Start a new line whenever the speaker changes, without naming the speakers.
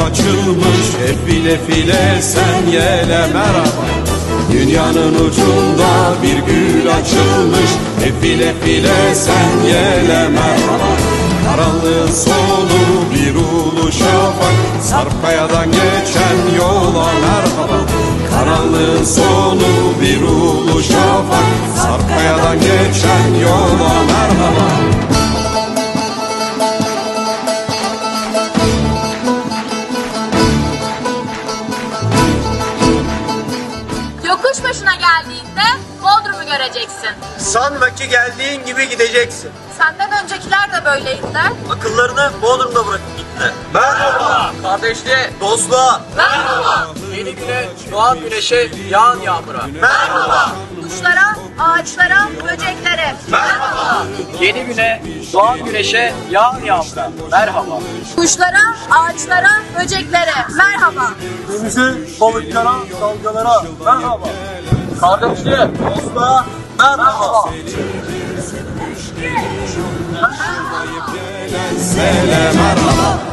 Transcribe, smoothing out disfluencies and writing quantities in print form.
açılmış, hep file file sen yele merhaba. Dünyanın ucunda bir gül açılmış, hep file file sen yele merhaba. Karanlığın sonu bir ulu şafak, Sarpkaya'dan geçen yola merhaba. Karanlığın sonu bir ulu şafak, Sarpkaya'dan geçen yola merhaba.
Yokuş başına geldiğinde Bodrum'u göreceksin.
Sanma ki geldiğin gibi gideceksin.
Senden öncekiler de böyleydiler.
Akıllarını Bodrum'da bırakıp gittiler. Merhaba. Kardeşliğe, dostluğa.
Merhaba.
Yeni güne, doğan güneşe, yağan yağmura. Merhaba.
Kuşlara, ağaçlara, böceklere.
Merhaba. Yeni güne, doğan güneşe, yağan yağmura. Merhaba.
Kuşlara, ağaçlara, böceklere. Merhaba.
Denize, balıklara, dalgalara. Merhaba. Kardeşliğe, dostluğa. Merhaba.
Sele merhaba.